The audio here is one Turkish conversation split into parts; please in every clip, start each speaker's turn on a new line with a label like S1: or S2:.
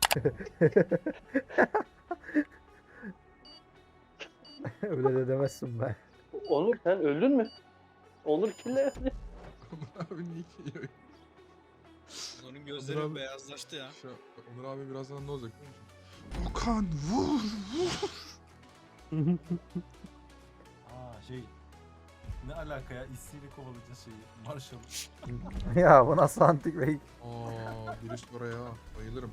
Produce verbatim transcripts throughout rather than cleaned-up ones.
S1: Öyle de demezsin be.
S2: Onur sen öldün mü? Onur kille.
S3: Abi niye ki?
S4: Onların gözleri
S3: abi-
S4: beyazlaştı ya.
S3: Şu Onur abi birazdan ne olacak biliyor musun? Okan vur vur.
S5: Aa şey. Ne alaka ya? İstiyle kovalayacağız şeyi. Marshall.
S1: Ya bu nasıl antik bey?
S3: Aa bir üst oraya bayılırım.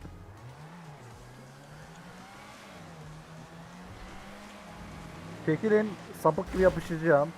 S1: Çekilin, sapık gibi yapışacağım.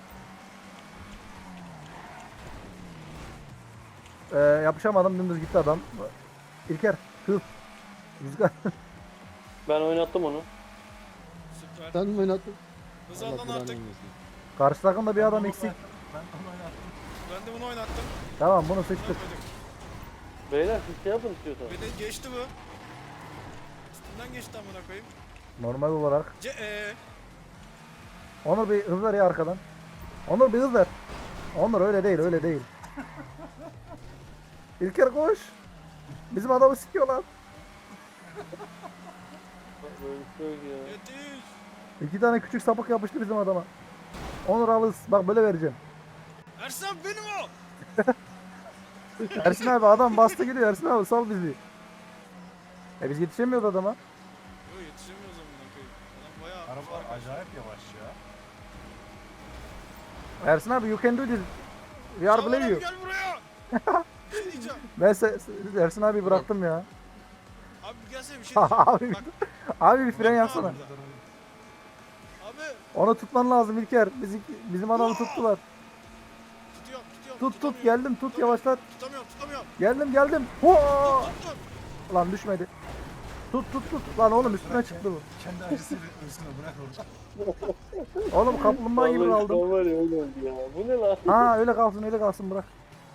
S1: Ee, yapışamadım, dümdüz gitti adam. İlker, hız. Rüzgar.
S2: Ben oynattım onu.
S4: Süper.
S6: Sen mi oynattın?
S4: Hız
S6: Allah
S4: aldan
S6: belanı
S4: artık.
S6: vermesin.
S1: Karşı takımda bir adam
S5: Ben
S1: eksik.
S5: onu- Ben onu oynattım.
S4: Ben de bunu oynattım.
S1: Tamam, bunu sıçtık.
S4: Yapmadık.
S2: Beyler siz şey yapın istiyorsanız.
S4: Beni geçti bu. Üstünden geçti amına koyayım.
S1: Normal olarak.
S4: Ce eee.
S1: Onur bir hız ver ya arkadan. Onur bir hız ver. Onur öyle değil, öyle değil. İlker koş. Bizim adamı sikiyorlar.
S2: Bak böyle bir şey yok ya.
S4: Yetiş.
S1: İki tane küçük sapık yapıştı bizim adama. Onur al hız. Bak böyle vereceğim.
S4: Ersan benim o.
S1: Ersin abi adam bastı gidiyor. Ersin abi sal bizi. E biz yetişemiyoruz adama.
S4: Yo yetişemiyoruz amına koyayım. Adam bayağı
S5: Araba
S4: fark açtı.
S5: acayip yavaş ya.
S1: Ersin abi you can do this. We are
S4: Çağlar
S1: believe
S4: abi
S1: you.
S4: gel buraya. Bir şey diyeceğim.
S1: Ben se- se- Ersin abi bıraktım ya.
S4: Abi bir gelsene bir şey diyeceğim.
S1: abi,
S4: Bak
S1: abi bir fren yapsana.
S4: abi
S1: Onu tutman lazım İlker. Bizi, bizim adamı tuttular.
S4: tutuyorum tutuyorum.
S1: Tut tut
S4: tutamıyorum.
S1: geldim tut yavaşlat.
S4: Tutamıyorum tutamıyorum.
S1: Geldim geldim. Hua!
S4: Tut tut.
S1: Lan düşmedi. Tut tut tut. Lan oğlum üstüne çıktı bu.
S5: Kendi acısıyla ölsün o, bırak orada.
S1: Oğlum kaplumbağa gibi
S2: Vallahi
S1: kaldım.
S2: şu an var ya öyle oldu ya. Bu ne lan?
S1: Ha öyle kalsın öyle kalsın bırak.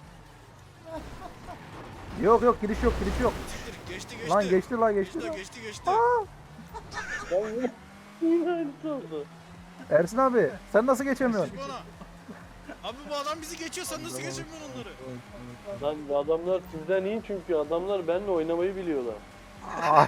S1: Yok yok giriş yok giriş yok.
S4: Siktir geçti geçti.
S1: Lan geçti lan geçti.
S4: Geçti
S1: lan.
S4: geçti geçti.
S2: Ben yine yine aynısı oldu.
S1: Ersin abi sen nasıl geçemiyorsun?
S4: Siz bana. Abi bu adam bizi geçiyor sen nasıl geçemiyorsun onları?
S2: Lan adamlar sizden iyi çünkü adamlar benimle oynamayı biliyorlar.
S1: Aa.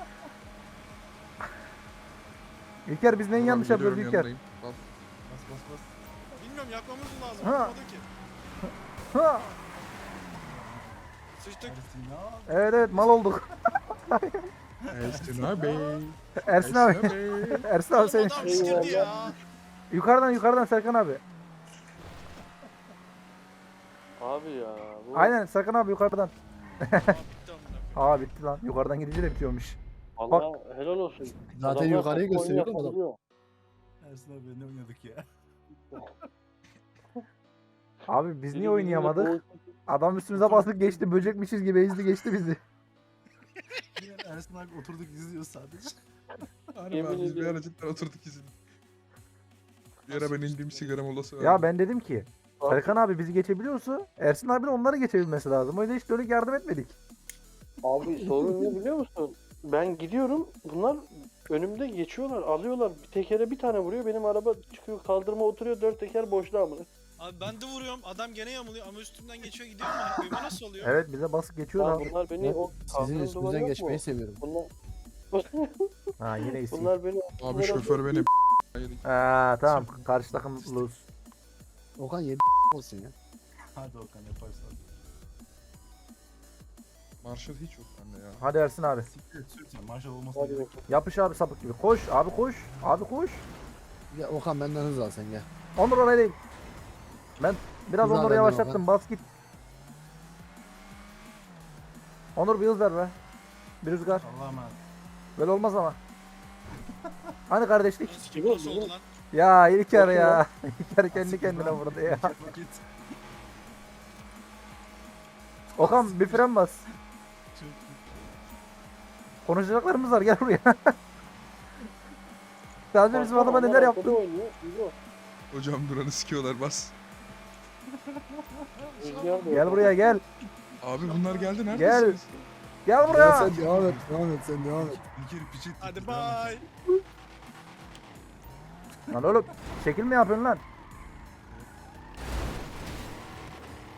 S1: İlker biz neyin yanlış
S3: Tamam,
S1: yapıyoruz
S3: geliyorum,
S1: İlker?
S3: yanındayım. Al.
S5: Bas bas bas.
S4: Bilmiyorum yakmamız lazım.
S1: Ha.
S4: Yapmadı ki.
S1: Ha.
S4: Sıçtık.
S5: Ersin ne yaptı?
S1: Evet evet mal olduk.
S3: Ersin abi.
S1: Ersin abi.
S3: abi.
S1: Ersin abi
S4: Oğlum
S1: seni.
S4: adam sikirdi ya.
S1: Yukarıdan yukarıdan Serkan abi.
S2: Abi ya. Bu...
S1: Aynen Serkan abi yukarıdan.
S4: Aa, bitti amına koyayım.
S1: Aa bitti lan. Yukarıdan gidince de bitiyormuş.
S2: Allah helal olsun.
S6: Zaten
S2: Adamlar
S6: yukarıyı
S2: takım
S6: gösteriyor
S2: oyunu
S6: adam.
S2: yapabiliyor.
S5: Ersin abi ne oynadık ya?
S1: Abi biz niye
S2: Biri
S1: oynayamadık?
S2: birbirine
S1: Adam üstümüze bastık geçti. Böcekmişiz gibi ezdi geçti bizi.
S5: Yine Ersin abi oturduk izliyoruz sadece.
S3: Harbi
S2: Yemin
S3: abi biz bir
S2: ediyorum.
S3: ara cidden oturduk izin. Bir ara ben indiğim sigara molası vardı.
S1: Ya ben dedim ki
S2: koy-
S1: Serkan abi bizi geçebiliyorsa Ersin abi de onları geçebilmesi lazım. O yüzden hiç dönük yardım etmedik.
S2: Abi sorun ne biliyor musun? Ben gidiyorum bunlar önümde geçiyorlar alıyorlar bir tekere bir tane vuruyor benim araba çıkıyor kaldırıma oturuyor dört teker boşluğa mı?
S4: Abi ben de vuruyorum adam gene yamuluyor ama üstümden geçiyor gidiyor amına koyayım. O nasıl oluyor?
S1: Evet bize basıp geçiyor
S2: Lan
S1: abi.
S2: bunlar beni
S6: Ben
S2: o
S6: sizin
S2: kaldırım duvarı
S6: üstünüzden
S2: yok
S6: geçmeyi
S2: mu?
S6: seviyorum.
S2: Bunlar,
S1: Ha yine iyisi.
S2: bunlar beni
S3: Abi şoför beni yedik.
S1: Ha tamam karşı takım lose.
S6: Okan yedi olsun ya.
S5: Hadi Okan yaparsın.
S3: Marshall hiç yok bende ya.
S1: Hadi Ersin abi.
S5: Siktir et sürtme. Marshall olmasa
S2: hadi
S5: gerek.
S2: bakalım.
S1: Yapış abi sapık gibi. Koş abi koş. Abi koş.
S6: Ya Okan benden hız al sen gel.
S1: Onur oraya değil. Ben biraz
S6: Güzel
S1: Onur'u
S6: benden
S1: yavaşlattım.
S6: Okan.
S1: Bas git. Onur bir hız ver be. Bir rüzgar.
S5: Allah'a emanet.
S1: Böyle olmaz ama. Hani kardeşlik?
S4: Sikim nasıl oldu lan?
S1: Ya İlker
S2: Bakın
S1: ya. İlker kendi kendine vurdu ya.
S5: Vakit.
S1: Okan bir fren bas. Konuşacaklarımız var gel buraya. Sadece bizim adama
S2: Onlar
S1: neler
S2: arkada
S1: yaptın?
S2: oynuyor, İbo.
S3: Hocam duranı sikiyorlar bas.
S2: Rüzgar da
S1: Gel
S2: yok.
S1: buraya gel.
S3: Abi bunlar geldi
S1: Gel.
S3: neredesiniz?
S1: Gel
S6: Ya
S1: buraya.
S6: sen devam et, devam et, sen devam et.
S5: İlker piçet.
S4: Hadi bay.
S1: Lan oğlum şekil mi yapıyorsun lan?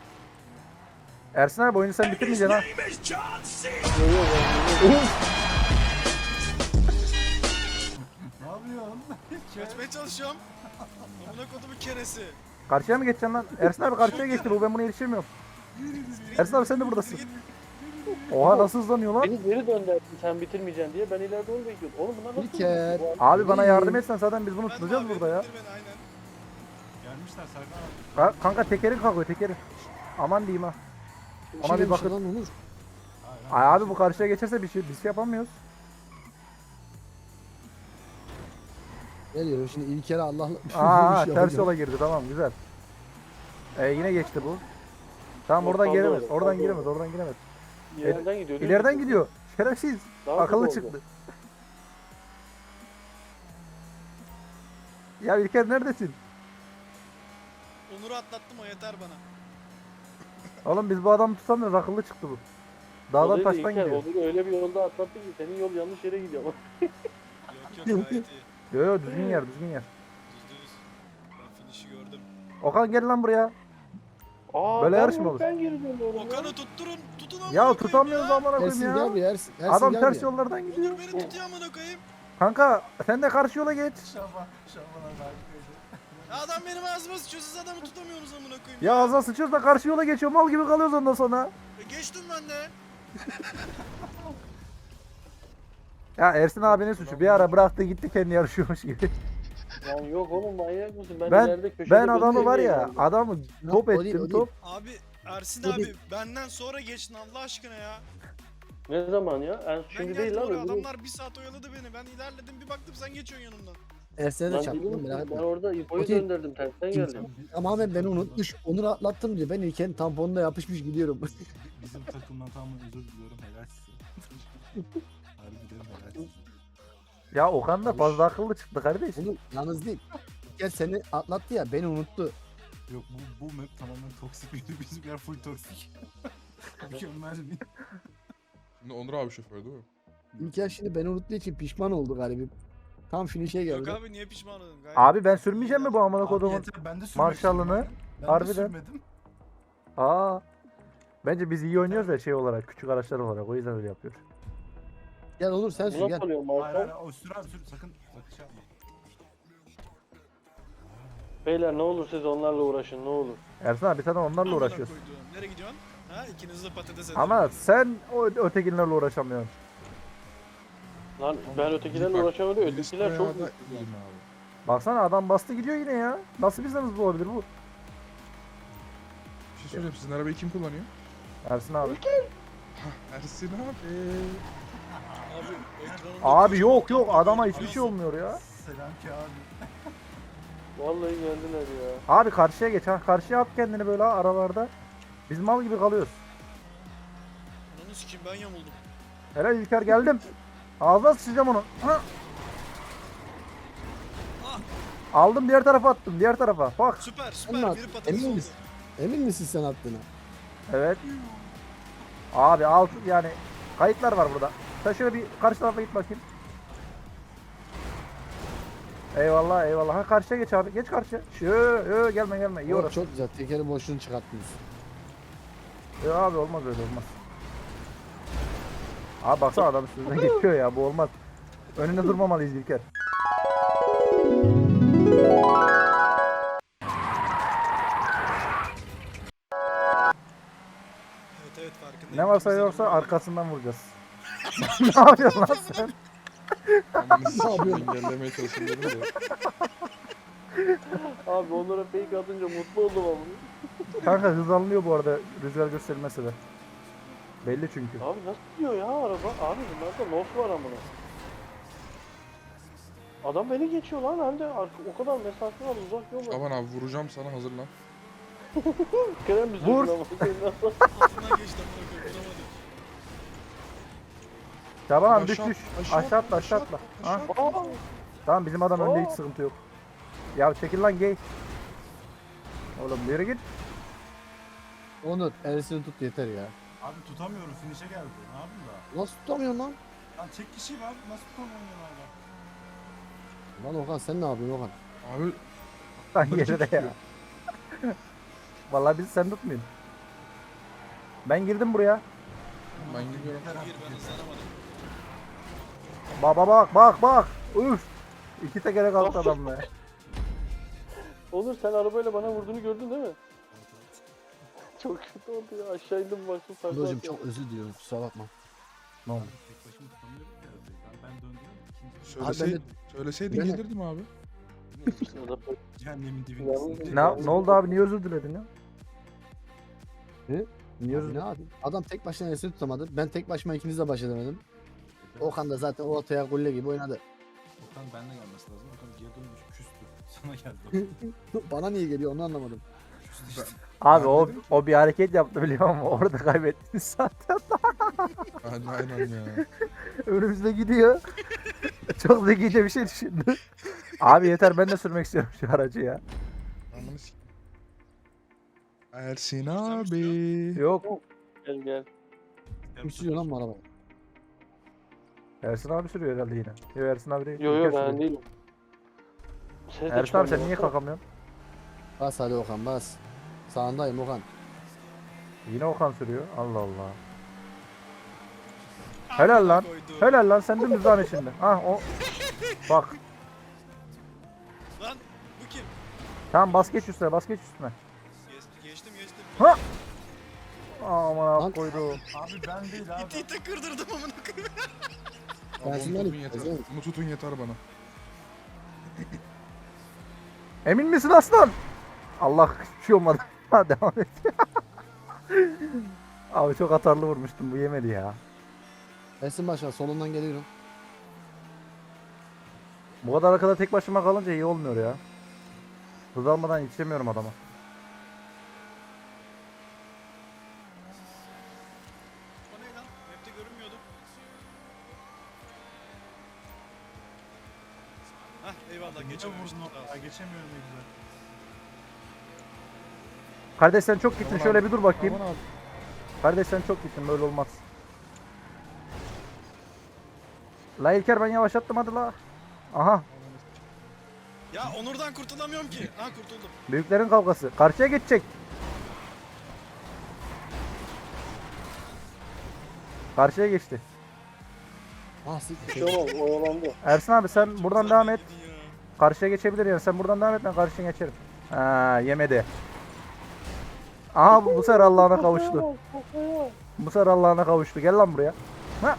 S1: Ersin abi oyunu sen bitirmeyeceksin ha.
S2: Yok, yok, yok.
S4: Geçmeye çalışıyorum. Amına kodumun keresi.
S1: Karşıya mı geçeceksin lan? Ersin abi karşıya geçti bu, ben buna yetişemiyorum. Ersin abi sen de buradasın. Oha nasıl hızlanıyor lan?
S2: Beni geri dönderdin sen bitirmeyeceksin diye. Ben ileride onu bekliyordum. Oğlum bunlar nasıl?
S6: İlker.
S2: Bu-
S1: Abi bana yardım etsen zaten biz bunu
S4: Ben
S1: tutacağız
S4: mavi,
S1: burada ya.
S4: indir beni, aynen.
S5: Gelmişler Serkan abi.
S1: Ka- Kanka tekerin kalkıyor tekerin. Aman diyeyim ha. Ona
S6: Ona
S1: bir
S6: bir
S1: bakın.
S6: Lan Onur.
S5: Hayır,
S1: Ay abi bu karşıya geçerse bir şey biz şey yapamıyoruz.
S6: Geliyorum şimdi İlker'e Allah'la
S1: Aa
S6: bir şey
S1: ters
S6: yapacağım.
S1: yola girdi, tamam güzel. Ee, yine geçti bu. Tamam oradan
S2: Yok,
S1: giremez.
S2: kaldı,
S1: Oradan
S2: kaldı.
S1: giremez. Oradan giremez.
S2: İleriden gidiyor. değil
S1: İleriden
S2: mi?
S1: gidiyor. Şerefsiz.
S2: Daha
S1: Akıllı
S2: hızlı oldu.
S1: çıktı. Ya İlker neredesin?
S4: Onur'u atlattım, o yeter bana.
S1: Oğlum biz bu adamı tutamıyoruz. Akıllı çıktı bu. Dağdan
S2: Olayı da
S1: taştan
S2: İlker,
S1: gidiyor.
S2: Onur'u öyle bir yolda atlattı ki senin yol yanlış yere gidiyor ama.
S4: Yok yok gayet iyi.
S1: Yo yo düzgün yer düzgün yer.
S4: Düz düz. Ben finish'i gördüm.
S1: Okan gel lan buraya.
S2: Aa,
S1: Böyle
S2: ben
S1: yarış mı
S2: yok,
S1: olur?
S2: Ben geri dönüyorum. ya.
S4: Okan'ı tutturun, tutun amına
S1: Ya
S4: koyayım
S1: tutamıyoruz
S4: ya.
S1: amına
S6: Ersin
S1: koyayım
S6: gel
S1: ya.
S6: bir Ersin. Ersin
S1: Adam
S6: gel
S1: ters
S6: bir.
S1: yollardan gidiyor.
S4: Onur beni tutuyor amına koyayım.
S1: Kanka sen de karşı yola geç.
S5: Şaban, Şaban abi harikaydı.
S4: Adam benim ağzıma sıçıyor, siz adamı tutamıyorsunuz amına koyayım.
S1: Ya ağzına sıçıyoruz da karşı yola geçiyor. Mal gibi kalıyoruz ondan sonra.
S4: E, geçtim ben de.
S1: Ya Ersin abinin suçu. Bir ara bıraktı gitti kendi yarışıyormuş gibi.
S2: Lan yok oğlum manyak mısın? Ben,
S1: Ben
S2: ileride köşede
S1: ben adamı var
S2: bekliyorum
S1: ya
S2: yani.
S1: adamı
S6: Yok,
S1: top
S6: o değil,
S1: ettim
S6: o değil.
S1: top.
S4: Abi Ersin
S6: Hadi.
S4: abi benden sonra geçtin Allah aşkına ya.
S2: Ne zaman ya? En
S4: Ben
S2: şimdi
S4: geldim
S2: değil lan.
S4: oraya,
S2: öbürü-
S4: adamlar bir saat oyaladı beni. Ben ilerledim, bir baktım sen geçiyorsun yanımdan.
S6: Ersin'e de
S2: Lan
S6: çarptım
S2: biliyor
S6: merak
S2: musun? Ben
S6: etme.
S2: orada İbo'yu
S6: Okey.
S2: döndürdüm tersten geldim.
S6: Tamamen beni unutmuş. Onur'u atlattım diye ben İlker'in tamponuna yapışmış gidiyorum.
S5: Bizim takımdan tamamen özür diliyorum. Helal size. Harbiden helal size.
S1: Ya Okan da fazla akıllı çıktı kardeş.
S6: Onur yalnız değil. İlker seni atlattı ya beni unuttu.
S5: Yok bu, bu map tamamen toksik bir bizimkiler full toksik. Mükemmel bir.
S3: Şimdi Onur abi şoför değil mi?
S6: İlker şimdi beni unuttuğu için pişman oldu galiba. Tam finish'e
S4: Yok
S6: geldi.
S4: abi niye pişman oldun? Gayet
S1: Abi ben sürmeyeceğim mi bu amına
S5: Abi
S1: kodumun?
S5: yeter, ben de sürmek
S1: Marshall'ını,
S5: istiyorum. Ben
S1: harbiden.
S5: de sürmedim.
S1: Aa. Bence biz iyi oynuyoruz ya şey olarak, küçük araçlar olarak. O yüzden öyle yapıyor.
S6: Gel Onur sen
S2: Bu
S6: sür
S2: nasıl
S6: gel.
S2: oluyor
S5: Hayır
S2: Marshall?
S5: hayır o sür abi sür sakın sakın şey yapma.
S2: Beyler ne olur siz onlarla uğraşın ne olur.
S1: Ersin abi sen de onlarla
S4: amına
S1: uğraşıyorsun.
S4: koyduğum. Nereye gidiyorsun? Ha ikiniz de patates edin.
S1: Ama sen o ötekilerle uğraşamıyorsun.
S2: Lan ben ötekilerle uğraşamadım. Ötekiler çok büyük.
S1: Baksana adam bastı gidiyor yine ya. Nasıl bizden hızlı olabilir bu?
S3: Bir şey söyleyeyim, sizin arabayı kim kullanıyor?
S1: Ersin abi.
S3: Ersin abi.
S4: Abi, ekranımda
S1: Abi
S4: kocaman
S1: yok yok
S4: tablo
S1: adama
S4: var.
S1: hiçbir şey olmuyor ya.
S5: Selam ki abi.
S2: Vallahi geldiler ya.
S1: Abi karşıya geç ha. Karşıya at kendini böyle aralarda. Biz mal gibi kalıyoruz.
S4: Ananı sikeyim ben yamuldum.
S1: Helal İlker geldim. Ağzına sıçacağım onu. Ha. Aldım diğer tarafa attım. Diğer tarafa. Bak.
S4: Süper
S6: Sen
S4: süper
S6: mi
S4: biri
S6: attın?
S4: patates
S6: Emin
S4: oldu.
S6: misin? Emin misin sen attığına?
S1: Evet. Abi alt yani kayıtlar var burada. Sen şöyle bir karşı tarafa git bakayım. Eyvallah eyvallah. Ha karşıya geç abi. Geç karşıya. Şu yo, gelme gelme. İyi
S6: Oh,
S1: orası.
S6: çok güzel. Tekeri boşluğunu çıkarttınız.
S1: Yo, abi olmaz öyle olmaz. Abi baksana adam üstünden geçiyor ya bu olmaz. Önünde durmamalıyız İlker.
S4: Evet evet farkındayım.
S1: Ne varsa
S4: İkimiz de
S1: yoksa
S4: durmadık.
S1: arkasından vuracağız. Ne yapıyorsun lan sen?
S3: Ananı sikeyim, engellemeye çalışıyorum da.
S2: Abi onlara fake atınca mutlu oldum ama.
S1: Kanka hız alınıyor bu arada rüzgar gösterilmesi de. Belli çünkü.
S2: Abi nasıl gidiyor ya araba? Abi bunlarda nos var amına. Adam beni geçiyor lan hem de arka, o kadar mesafe var uzak yol var.
S3: Aman abi vuracağım sana, hazırlan.
S2: Kerem bir
S1: Vur.
S2: sürdü ama senin nasıl?
S4: Altından geçti amına koyayım vuramadım.
S1: Şaban abi
S3: Aşağı
S1: düş
S3: at,
S1: düş.
S3: aşağı
S1: Aşağı
S3: at,
S1: atla aşağı
S3: aşağı
S1: atla.
S3: at,
S1: Ha?
S3: aşağı at.
S2: Aa,
S1: Tamam bizim adam önde
S2: Aa.
S1: hiç sıkıntı yok. Ya çekil lan gay. Oğlum yürü git.
S6: Onur Ersin'i tut yeter ya.
S5: Abi tutamıyorum finish'e geldi. Ne yapayım da?
S6: Nasıl tutamıyorsun lan?
S5: Lan tek kişiyim abi nasıl tutamıyorum abi?
S6: Lan Okan sen ne yapıyorsun Okan?
S3: Abi
S1: Lan
S3: Böyle
S1: geride
S3: tutuyor.
S1: ya. Vallahi bizi sen tutmayın. Ben girdim buraya.
S3: ben gidiyorum.
S4: Gir ben hızlanamadım.
S1: Bak bak bak bak bak. Üf. İki tekere kalktı adam be.
S2: Onur sen arabayla bana vurduğunu gördün değil mi? Çok kötü oldu ya. Aşağı indim baktım. takla
S6: Hocam
S2: atıyor.
S6: çok özür diliyorum kusura bakma.
S1: Ne oldu?
S5: Tek başıma tutamıyorum ya arabayı. Ben, ben döndüm. İkinci
S3: Söylesey,
S6: ben de-
S3: söyleseydin
S6: ben de-
S3: gelirdim abi.
S2: Ya da
S5: cehennemin
S2: Yalnız-
S5: dibindesin.
S1: Ne, ne oldu abi? Niye özür diledin ya?
S6: Ne?
S1: Niye özür
S6: Abi ne yapayım? Adam tek başına esini tutamadı. Ben tek başıma ikiniz de baş edemedim. Okan da zaten ortaya gulle gibi oynadı.
S5: Okan benimle gelmesi lazım. Okan geri dönmüş küstü. Sana geldi.
S6: Bana niye geliyor onu anlamadım.
S5: Küstü işte.
S1: Abi
S3: Ben
S1: o
S3: dedim ki-
S1: o bir hareket yaptı biliyor musun? Orada kaybettiniz zaten.
S3: Aynen, aynen ya.
S1: Önümüzde gidiyor. Çok zekice bir şey düşündü. Abi yeter ben de sürmek istiyorum şu aracı ya.
S3: Ananı s- Ersin abi.
S1: Yok.
S2: gel gel.
S6: Kim sürüyor lan bu arabayı?
S1: Ersin abi sürüyor herhalde yine. Yok Ersin abi değil.
S2: Yo yo
S1: İlker
S2: ben
S1: sürüyor.
S2: değilim. Ses de
S1: Ersin abi sen
S2: çıkarmıyor.
S1: niye kalkamıyorsun?
S6: Bas hadi Okan bas. Sağındayım Okan.
S1: Yine Okan sürüyor. Allah Allah. Helal lan. Helal lan sen dümdüz lan içinde. Ah o. Bak.
S4: Lan bu kim?
S1: Tamam bas geç üstüne bas geç üstüne.
S4: Geç- geçtim geçtim.
S1: Ha! Aman
S6: Lan.
S1: abi koydu.
S5: Abi ben değil abi.
S4: İti ite kırdırdım amına koyayım.
S3: Abi
S6: Ersin
S3: onu
S6: abi,
S3: tutun yeter.
S6: Ersin.
S3: Bunu tutun yeter bana.
S1: Emin misin aslan? Allah hiçbir şey olmadı. Ha devam et. Abi çok atarlı vurmuştum bu yemedi ya.
S6: Ersin başla solundan geliyorum.
S1: Bu kadar arkada tek başıma kalınca iyi olmuyor ya. Hız almadan yetişemiyorum adama.
S4: O ne lan? Map'te görünmüyordu. Hah eyvallah
S5: Niye
S4: geçememiştim.
S5: vurdun
S4: Sağ
S5: o?
S4: ol.
S5: Ya geçemiyorum ne güzel.
S1: Kardeş sen çok gittin
S3: Aman
S1: şöyle
S3: abi,
S1: bir dur bakayım.
S3: Aman abi.
S1: Kardeş sen çok gittin böyle olmaz. La İlker ben yavaşlattım hadi la. Aha
S4: Ya Onur'dan kurtulamıyorum ki. Ha kurtuldum.
S1: büyüklerin kavgası. Karşıya geçecek. Karşıya geçti.
S6: Ah siktir.
S2: Şey olmaz oyalandı.
S1: Ersin abi sen buradan devam et.
S4: Gidin ya.
S1: Karşıya geçebilir yani. Sen buradan devam et ben karşıya geçerim. Ha yemedi. Aha bu bu sefer Allah'ına kavuştu. Bu sefer Allah'ına kavuştu. Gel lan buraya. Ha.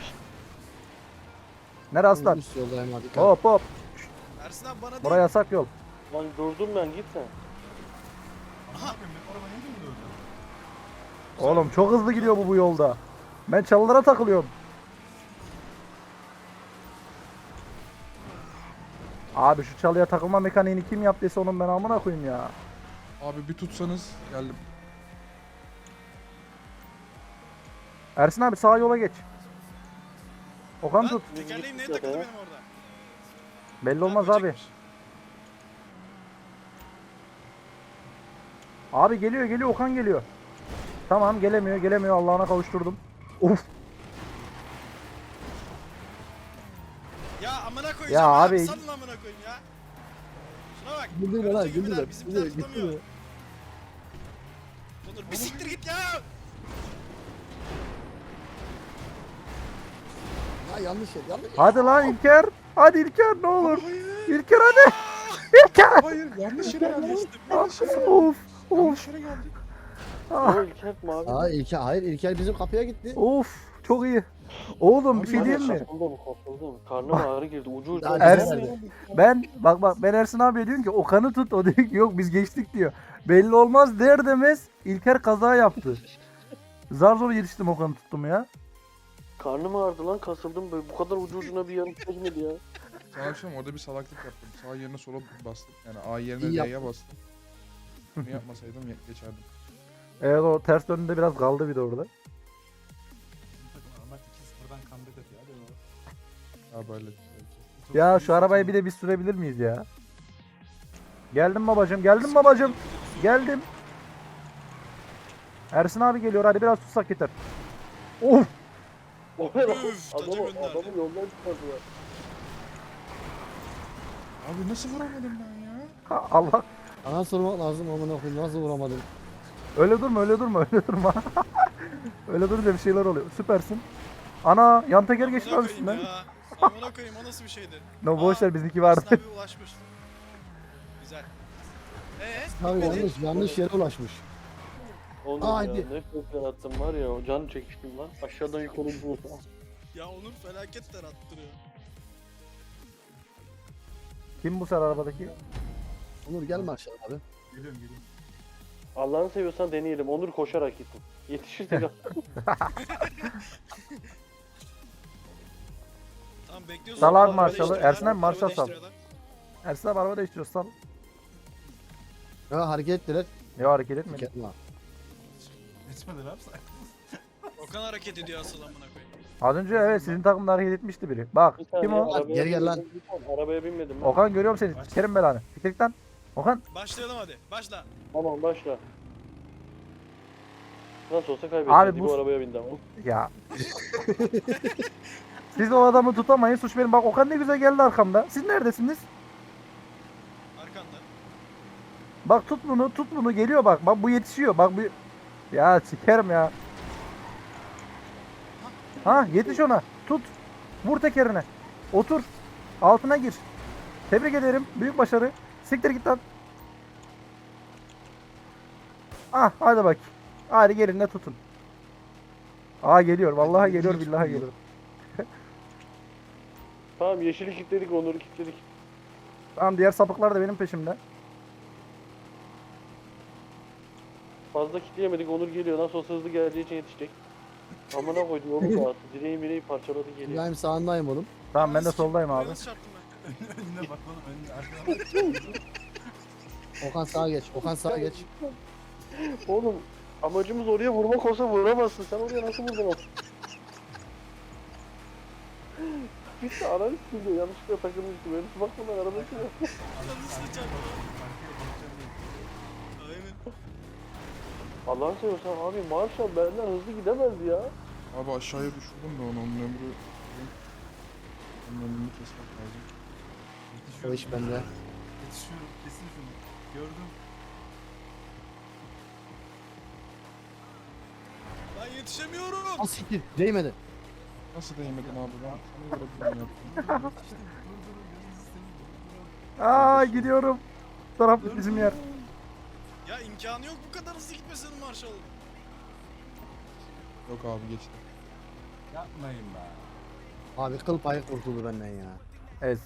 S1: Nere aslan?
S6: Üst yoldayım hadi.
S1: Hop hop.
S4: Ersin abi bana
S1: Buraya
S4: değil.
S1: yasak yol.
S2: Lan durdum ben git sen.
S5: Aha. Abi ben araba niye döndü öyle?
S1: Oğlum çok hızlı gidiyor bu bu yolda. Ben çalılara takılıyorum. Abi şu çalıya takılma mekaniğini kim yaptıysa onun ben amına koyayım ya.
S3: Abi bir tutsanız geldim.
S1: Ersin abi sağ yola geç. Okan
S4: Lan
S1: tut.
S4: tekerleğim neye takıldı benim orada?
S1: Belli
S4: Ha,
S1: olmaz abi.
S4: böcekmiş.
S1: Abi geliyor geliyor Okan geliyor. Tamam gelemiyor gelemiyor Allah'ına kavuşturdum. Uf
S4: Ya amına koyacağım
S1: Ya
S4: abi.
S1: abi-
S4: Salın amına koyayım ya. Şuna bak.
S6: Güldürme lan
S4: Görüntü gibiler,
S6: güldürme.
S4: Bizimkiler
S6: Güldürme
S4: tutamıyor.
S6: güldürme.
S4: Onur bir siktir git ya.
S6: Ya yanlış yer yanlış yer.
S1: hadi lan İlker. Hadi İlker ne olur. İlker hadi. İlker.
S3: Hayır yanlış yere geldik.
S1: Of of.
S3: Yanlış yere geldik.
S1: Ah,
S2: O İlker mavi.
S6: Aa İlker hayır İlker bizim kapıya gitti.
S1: of çok iyi. Oğlum bir şey
S2: Abi,
S1: diyeyim mi?
S2: Kasıldım kasıldım. Karnıma ağrı girdi. Ucu ucu.
S6: Daha
S1: Ersin-
S6: güzel.
S1: Ben bak bak ben Ersin abiye diyorum ki Okan'ı tut o diyor ki yok biz geçtik diyor. Belli olmaz der demez İlker kaza yaptı. Zar zor yetiştim Okan'ı tuttum ya.
S2: Karnım ağrıdı lan kasıldım böyle. Bu kadar ucu ucuna bir yarım geçmedi ya.
S3: Sana akşam orada bir salaklık yaptım. Sağ yerine sola bastım. Yani A yerine
S6: İyi
S3: D'ye bastım. Bunu yapmasaydım ye- geçerdim.
S1: Evet o ters döndüğünde biraz kaldı bir de orada.
S5: Bizim takım Ahmet iki sıfırdan comeback atıyor. Hadi oğlum.
S3: Ya böyle.
S5: Çok
S1: Ya
S5: iyi
S1: şu arabayı bir
S5: takım.
S1: de biz sürebilir miyiz ya? Geldim babacım, geldim babacım. Geldim. Ersin abi geliyor hadi biraz tutsak yeter. Of!
S2: O ne lan?
S4: Üf, taca
S2: Adamı,
S4: gönderdi.
S2: adamı yoldan çıkardılar.
S3: Abi nasıl vuramadım ben ya?
S1: Ha, Allah.
S6: Ana sormak lazım amına koyayım nasıl vuramadım.
S1: Öyle durma öyle durma öyle durma. Öyle durunca bir şeyler oluyor. Süpersin. Ana yan teker geçti
S4: Amına
S1: lan
S4: koyayım
S1: üstünden.
S4: ya. Amına koyayım o nasıl bir şeydi?
S1: No boş ver
S4: Aa,
S1: bizimki vardı.
S4: Aslı abi ulaşmış. Güzel. Eee?
S6: Abi
S4: bitmedi.
S6: yanlış yanlış yere ulaşmış.
S2: Onur
S6: Aa,
S2: ya
S6: hadi.
S2: ne kökler attım var ya o can çekiştim lan. Aşağıdan yukarı bu.
S4: Ya Onur felaketler attırıyor.
S1: Kim bu sefer arabadaki?
S6: Onur gelme aşağı abi.
S5: Geliyorum geliyorum.
S2: Allah'ını seviyorsan deneyelim. Onur koşarak gitsin. Yetişirsek
S4: Tamam bekliyorsun.
S1: Sal abi
S4: Araba
S1: marşalı.
S4: değiştiriyorlar,
S1: Ersin abi marşal
S4: araba
S1: sal.
S4: değiştiriyorlar.
S1: Ersin abi araba değiştiriyor sal.
S6: Ya hareket ettiler.
S1: Ya hareket etmedi.
S6: Gelme abi.
S5: Geçmedi abi sen.
S4: Okan hareket ediyor asıl amına koyayım.
S1: Az önce evet sizin takımda hareket etmişti biri. Bak
S2: Bir
S1: kim
S2: saniye,
S1: o?
S2: arabaya
S6: Geri gel lan.
S2: binmedim, bir saniye, Arabaya binmedim ben.
S1: Okan görüyorum seni. Sikerim belanı. Siktir lan. Okan.
S4: Başlayalım hadi. Başla.
S2: Tamam başla. Nasıl olsa kaybedeceğiz.
S1: Abi
S2: Abi
S1: bu-
S2: bu arabaya bindi ama.
S1: Ya. Siz o adamı tutamayın. Suç benim. Bak Okan ne güzel geldi arkamda. Siz neredesiniz?
S4: Arkanda.
S1: Bak tut bunu, tut bunu. Geliyor bak. Bak bu yetişiyor. Bak bu... Ya sikerim ya. Ha yetiş ona. Tut. Vur tekerine. Otur. Altına gir. Tebrik ederim. Büyük başarı. Siktir git lan. Ah hadi bak. Hadi gelin de tutun. Aa geliyor. Vallahi geliyor. Billahi geliyor.
S2: Tamam yeşili kilitledik, Onur'u kilitledik.
S1: Tamam diğer sapıklar da benim peşimde.
S2: Fazla kilitleyemedik, Onur geliyor. Nasıl olsa hızlı geleceği için yetişecek. Amına koydu yolu dağıttı. Direği mireği parçaladı geliyor.
S6: İbrahim sağındayım oğlum.
S1: Tamam ben de
S4: Nasıl-
S1: soldayım
S4: Buraya
S1: abi.
S4: nasıl çarptım ben?
S5: Önüne bak oğlum önüne arkadan.
S6: Okan sağa geç. Okan sağa geç.
S2: Oğlum amacımız oraya vurmak olsa vuramazsın. Sen oraya nasıl vurdun? Bitti ananı sıkıldı. Yanlışlıkla takılmıştı. Böyle bakmadan araba sürüyor.
S4: Yanlışlıkla çarptım. Aynen.
S2: Allah'ını seviyorsan abi Marshall benden hızlı gidemezdi ya.
S3: Abi aşağıya düşürdüm de onu. Onun ömrü... Onun ömrünü kesmek lazım.
S6: O iş bende.
S5: Yetişiyorum kesin şunu. Gördüm.
S4: Ben yetişemiyorum.
S6: Al siktir. Değmedi.
S3: Nasıl değmedin abi ben? Sana göre plan yaptım.
S5: İşte dur dur gözünüzü seveyim.
S1: Aa gidiyorum. Bu taraf bizim yer.
S4: Ya imkanı yok bu kadar hızlı gitmesinin Marshall'ın.
S3: Yok abi geçti.
S5: Yapmayın be.
S6: Abi kıl payı kurtuldu benden ya.
S1: Evet.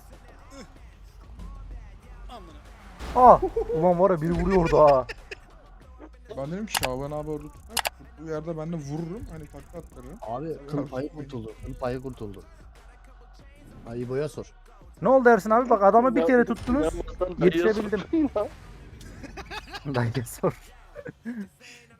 S4: Amına.
S1: Ah ulan var ya biri vuruyordu ha.
S3: Ben dedim ki Şaban abi orada tutar. Tuttuğu yerde ben de vururum. Hani takla attırırım.
S6: Abi kıl payı kurtuldu. Kıl payı kurtuldu. Ay İbo'ya sor.
S1: Ne oldu Ersin abi? Bak adamı bir
S2: Ya-
S1: kere tuttunuz.
S2: inanmazsan dayıya
S1: Yetişebildim.
S2: sorayım ya.
S1: Dayıya sor.